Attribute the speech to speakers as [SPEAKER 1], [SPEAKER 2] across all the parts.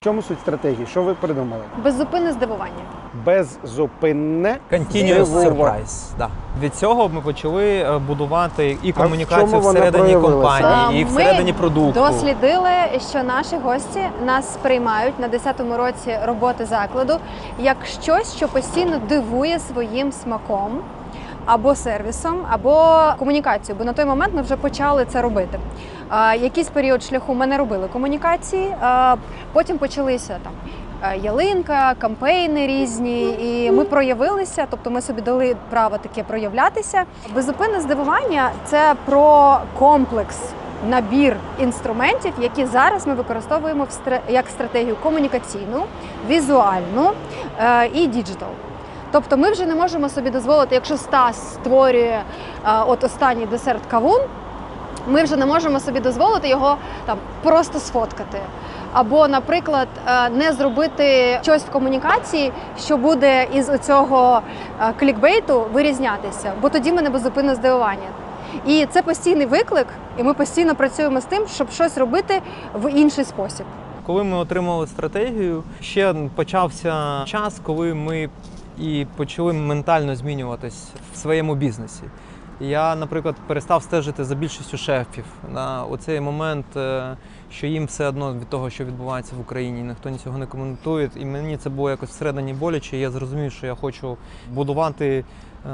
[SPEAKER 1] В чому суть стратегії? Що ви придумали?
[SPEAKER 2] Беззупинне здивування.
[SPEAKER 1] Беззупинне
[SPEAKER 3] Continuous
[SPEAKER 1] здивування.
[SPEAKER 3] surprise. Да. Від цього ми почали будувати і
[SPEAKER 1] в
[SPEAKER 3] комунікацію
[SPEAKER 1] чому вона
[SPEAKER 3] всередині
[SPEAKER 1] проявилася?
[SPEAKER 3] компанії, і всередині продукту.
[SPEAKER 2] Ми дослідили, що наші гості нас сприймають на 10-му році роботи закладу як щось, що постійно дивує своїм смаком, або сервісом, або комунікацією, бо на той момент ми вже почали це робити. Якийсь період шляху ми не робили комунікації, потім почалися там ялинка, кампейни різні, і ми проявилися, тобто ми собі дали право таке проявлятися. Беззупинне здивування – це про комплекс, набір інструментів, які зараз ми використовуємо як стратегію комунікаційну, візуальну і діджитал. Тобто ми вже не можемо собі дозволити, якщо Стас створює от останній десерт кавун, ми вже не можемо собі дозволити його там просто сфоткати. Або, наприклад, не зробити щось в комунікації, що буде із оцього клікбейту вирізнятися, бо тоді ми не беззупинне здивування. І це постійний виклик, і ми постійно працюємо з тим, щоб щось робити в інший спосіб.
[SPEAKER 3] Коли ми отримали стратегію, ще почався час, коли ми і почали ментально змінюватись в своєму бізнесі. Я, наприклад, перестав стежити за більшістю шефів на оцей момент, що їм все одно від того, що відбувається в Україні, ніхто нічого не коментує. І мені це було якось всередині боляче. Я зрозумів, що я хочу будувати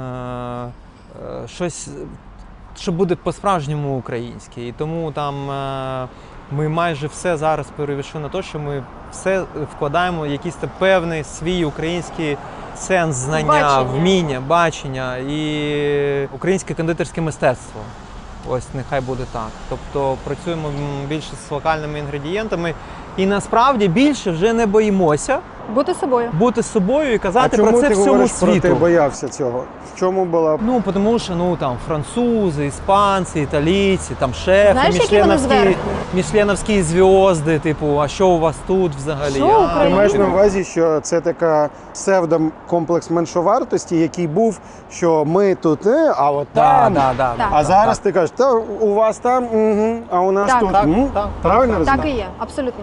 [SPEAKER 3] щось, що буде по-справжньому українське. І тому там ми майже все зараз перейшли на те, що ми все вкладаємо в якийсь певний свій український сенс, знання, вміння, бачення і українське кондитерське мистецтво. Ось нехай буде так. Тобто працюємо більше з локальними інгредієнтами і насправді більше вже не боїмося
[SPEAKER 2] Бути собою.
[SPEAKER 3] бути собою і казати про це
[SPEAKER 1] ти
[SPEAKER 3] всьому
[SPEAKER 1] говориш
[SPEAKER 3] світу.
[SPEAKER 1] Ти боявся цього? В чому була?
[SPEAKER 3] Ну, тому що там французи, іспанці, італійці, там шефи,
[SPEAKER 2] Знаєш, які вони зверху?
[SPEAKER 3] мішленовські зв'язки, типу, а що у вас тут взагалі?
[SPEAKER 2] Що
[SPEAKER 1] Ти
[SPEAKER 2] Україна?
[SPEAKER 1] маєш на увазі, що це така псевдокомплекс меншовартості, який був, що ми тут, а от там.
[SPEAKER 3] Да.
[SPEAKER 1] А зараз ти кажеш, та у вас там, а у нас
[SPEAKER 2] Так,
[SPEAKER 1] тут.
[SPEAKER 3] так.
[SPEAKER 1] Правильно
[SPEAKER 2] Так
[SPEAKER 1] розумію?
[SPEAKER 2] і є, абсолютно.